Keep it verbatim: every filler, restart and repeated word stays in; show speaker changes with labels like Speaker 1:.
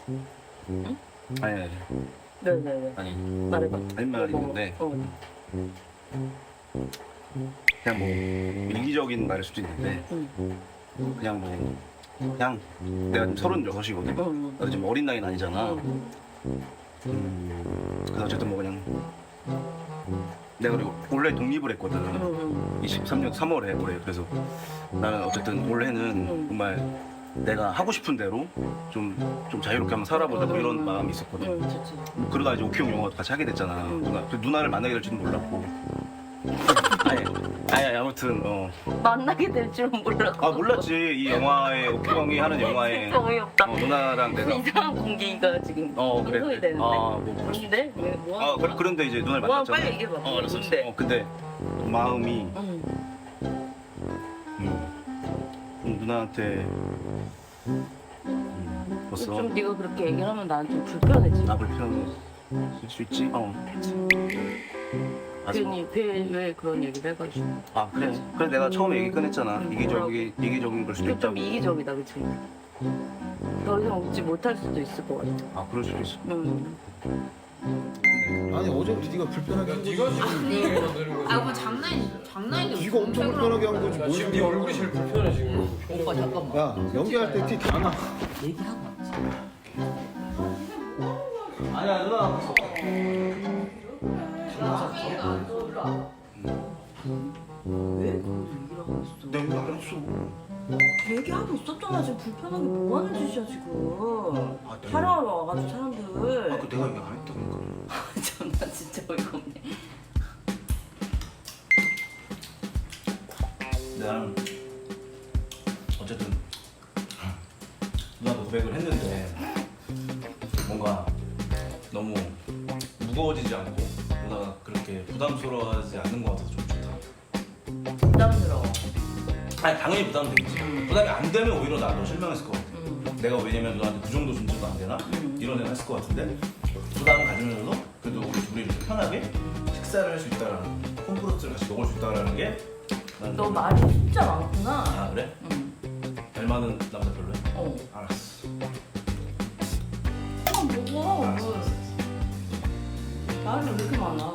Speaker 1: 응?
Speaker 2: 아니 아니
Speaker 1: 네네네.
Speaker 2: 아니
Speaker 1: 말해봐.
Speaker 2: 할 말이 있는데
Speaker 1: 어.
Speaker 2: 그냥 뭐 일기적인 말일 수도 있는데
Speaker 1: 응.
Speaker 2: 그냥 뭐 그냥 내가 지금 서른여섯이거든.
Speaker 1: 응.
Speaker 2: 나도 지금 어린 나이는 아니잖아.
Speaker 1: 응.
Speaker 2: 음, 그래서 어쨌든 뭐 그냥 내가 그리고 올해 독립을 했거든.
Speaker 1: 응.
Speaker 2: 이십삼 년 삼월에 올해. 그래서 나는 어쨌든 올해는
Speaker 1: 응.
Speaker 2: 정말 내가 하고 싶은 대로 좀, 좀 자유롭게 한번 살아보자 뭐 이런 마음이 있었거든.
Speaker 1: 응, 좋지.
Speaker 2: 뭐 그러다 이제 오키형 영화도 같이 하게 됐잖아.
Speaker 1: 응.
Speaker 2: 누나, 그 누나를 만나게 될지는 몰랐고. 아니, 아니, 아니 아무튼 어.
Speaker 1: 만나게 될 줄은 몰랐고.
Speaker 2: 아 몰랐지. 이 영화에 오키형이 하는 영화에
Speaker 1: 진짜 어이없다.
Speaker 2: 어, 누나랑 내가
Speaker 1: 이상한 공기가 지금
Speaker 2: 어 그래.
Speaker 1: 형성이
Speaker 2: 그래.
Speaker 1: 되는데.
Speaker 2: 아 뭐.
Speaker 1: 뭔데? 왜 뭐?
Speaker 2: 아 그래, 그런데 이제 누나를
Speaker 1: 뭐
Speaker 2: 만났잖아.
Speaker 1: 빨리 얘기해봐.
Speaker 2: 어 알았어.
Speaker 1: 뭔데?
Speaker 2: 어 근데 마음이
Speaker 1: 응.
Speaker 2: 음, 좀 누나한테 음, 벌써
Speaker 1: 좀 네가 그렇게 얘기를 하면 나한테 좀 불편해지.
Speaker 2: 나 불편할 수 있지? 어. 아직-
Speaker 1: 괜히 왜, 왜 그런 얘기를 해가지고.
Speaker 2: 아 그래. 그래 내가 처음에 얘기 꺼냈잖아.
Speaker 1: 음,
Speaker 2: 이기적이 이기적인 걸 수도
Speaker 1: 이게 좀
Speaker 2: 있다고.
Speaker 1: 이기적이다, 그치? 더 이상 웃지 못할 수도 있을 것 같아.
Speaker 2: 아 그럴 수도 있어.
Speaker 1: 응.
Speaker 3: 아니 어제부터 네가 불편하게 한 거지.
Speaker 4: 네가 지금 불편하게 만드는 거지.
Speaker 5: 아, 뭐 장난이 장난이.
Speaker 3: 네가 엄청 불편하게 한 거지.
Speaker 4: 야,
Speaker 3: 뭔
Speaker 4: 지금 네
Speaker 3: 소리야.
Speaker 4: 얼굴이 제일 불편해 지금.
Speaker 5: 오빠 잠깐만.
Speaker 3: 야 연기할 때 티 다 나.
Speaker 5: 얘기하고 왔지.
Speaker 2: 아니야 누나.
Speaker 1: 왜 그걸 얘기를 하고 있어?
Speaker 2: 내가 안 했어.
Speaker 1: 얘기하고 있었잖아. 지금 불편하게 뭐 하는 짓이야, 지금.
Speaker 2: 아, 네.
Speaker 1: 촬영하러 와가지고 사람들.
Speaker 2: 아, 그 내가 얘기 안 했다니까.
Speaker 1: 정말 진짜 어이가 없네.
Speaker 2: 나는 어쨌든 누나도 고백을 했는데 뭔가 너무 무거워지지 않고 누나가 그렇게 부담스러워하지 않는 것 같아서 좀 좋다.
Speaker 1: 부담스러워.
Speaker 2: 아니 당연히 부담되겠지. 부담이 안 되면 오히려 나도 실망했을 것 같아.
Speaker 1: 응.
Speaker 2: 내가 왜냐면 너한테 그 정도 존재도 안 되나?
Speaker 1: 음.
Speaker 2: 이런 생각 했을 것 같은데 부담을 가지면서도 그래도 우리 둘이 이렇게 편하게 식사를 할 수 있다라는 콤프로트를 같이 먹을 수 있다라는 게 나는
Speaker 1: 너
Speaker 2: 좀-
Speaker 1: 말이 진짜 많구나.
Speaker 2: 아 그래?
Speaker 1: 응.
Speaker 2: 잘 맞는 남자 별로야?
Speaker 1: 어.
Speaker 2: 알았어.
Speaker 1: 아, 먹어.
Speaker 2: 알았어.
Speaker 1: 뭐. 말이 왜 이렇게 많아?